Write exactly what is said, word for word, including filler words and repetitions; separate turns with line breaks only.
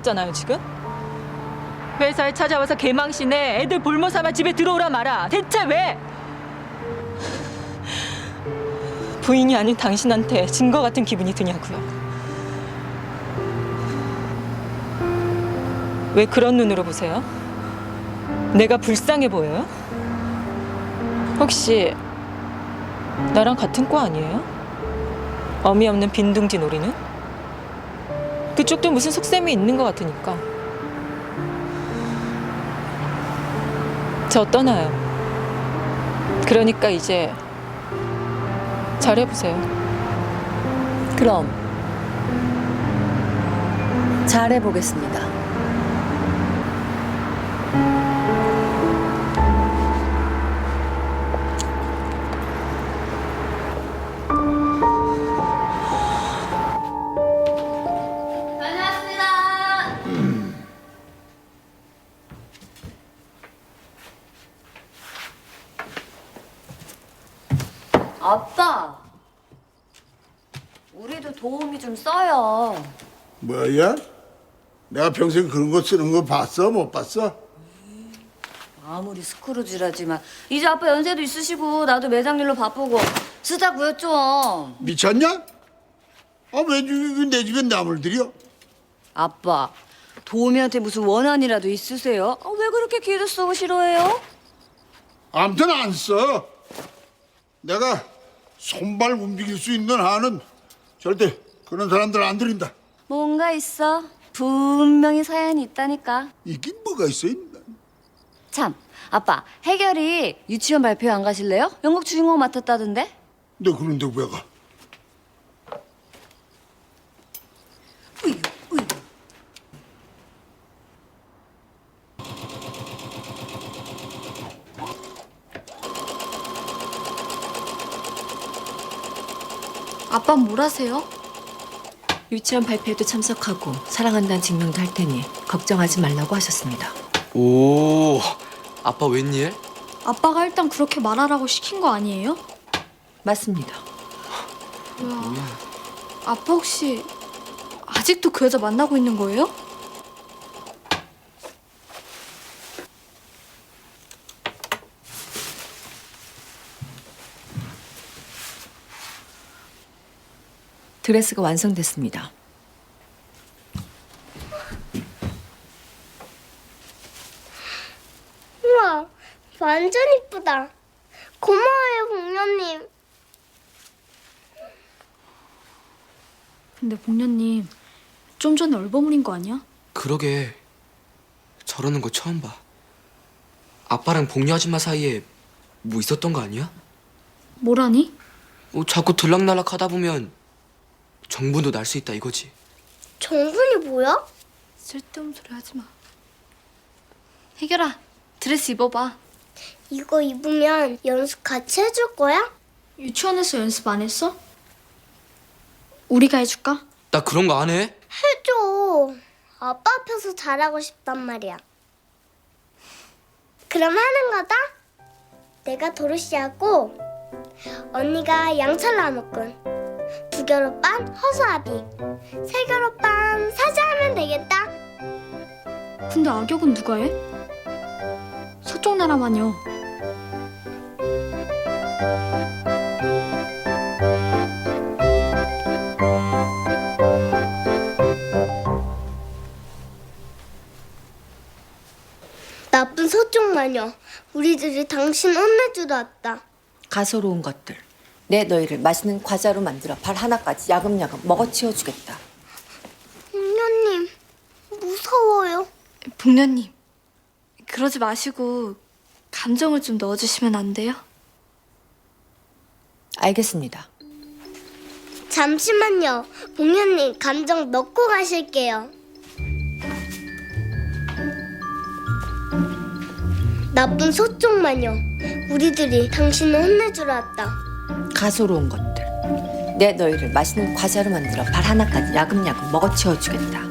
잖아요 지금? 회사에 찾아와서 개망신에 애들 볼모 삼아 집에 들어오라 마라. 대체 왜? 부인이 아닌 당신한테 증거 같은 기분이 드냐고요. 왜 그런 눈으로 보세요? 내가 불쌍해 보여요? 혹시 나랑 같은 과 아니에요? 어미 없는 빈둥지 놀이는? 그쪽도 무슨 속셈이 있는 것 같으니까. 저 떠나요. 그러니까 이제 잘해보세요.
그럼 잘해보겠습니다. 아빠, 우리도 도움이 좀 써요.
뭐야? 내가 평생 그런 거 쓰는 거 봤어? 못 봤어?
아무리 스크루지라지만 이제 아빠 연세도 있으시고 나도 매장 일로 바쁘고 쓰자고요 좀.
미쳤냐? 아, 왜 내 집에 남을 들여?
아빠, 도우미한테 무슨 원한이라도 있으세요? 아, 왜 그렇게 기도 쓰고 싫어해요?
아무튼 안 써. 내가 손발 움직일 수 있는 한은 절대 그런 사람들 안 들인다.
뭔가 있어. 분명히 사연이 있다니까.
이긴 뭐가 있어? 인간.
참, 아빠, 해결이 유치원 발표 안 가실래요? 연극 주인공 맡았다던데?
너 그런데 왜 가?
으유, 으유.
아빠 뭘 하세요?
유치원 발표에도 참석하고 사랑한다는 증명도 할 테니 걱정하지 말라고 하셨습니다.
오, 아빠 웬일?
아빠가 일단 그렇게 말하라고 시킨 거 아니에요?
맞습니다.
뭐야. 아빠 혹시 아직도 그 여자 만나고 있는 거예요?
드레스가 완성됐습니다.
우와, 완전 이쁘다. 고마워요, 공녀님.
근데 복녀님 좀 전에 얼버무린 거 아니야?
그러게, 저러는 거 처음 봐. 아빠랑 복녀 아줌마 사이에 뭐 있었던 거 아니야?
뭐라니?
어, 자꾸 들락날락 하다 보면 정분도 날 수 있다 이거지.
정분이 뭐야?
쓸데없는 소리 하지 마. 혜결아, 드레스 입어봐.
이거 입으면 연습 같이 해줄 거야?
유치원에서 연습 안 했어? 우리가 해줄까?
나 그런 거 안 해.
해줘. 아빠 앞에서 잘하고 싶단 말이야. 그럼 하는 거다? 내가 도로시하고 언니가 양철 나무꾼, 두결오빤 허수아비, 세결오빤 사자하면 되겠다.
근데 악역은 누가 해? 서쪽 나라 마녀.
나쁜 서쪽 마녀, 우리들이 당신 혼내주러 왔다.
가소로운 것들. 내 너희를 맛있는 과자로 만들어 발 하나까지 야금야금 먹어치워주겠다.
공녀님, 무서워요.
복녀님, 그러지 마시고 감정을 좀 넣어주시면 안 돼요?
알겠습니다.
잠시만요. 공녀님, 감정 넣고 가실게요. 나쁜 서쪽 마녀, 우리들이 당신을 혼내주러 왔다.
가소로운 것들. 내 너희를 맛있는 과자로 만들어 발 하나까지 야금야금 먹어치워주겠다.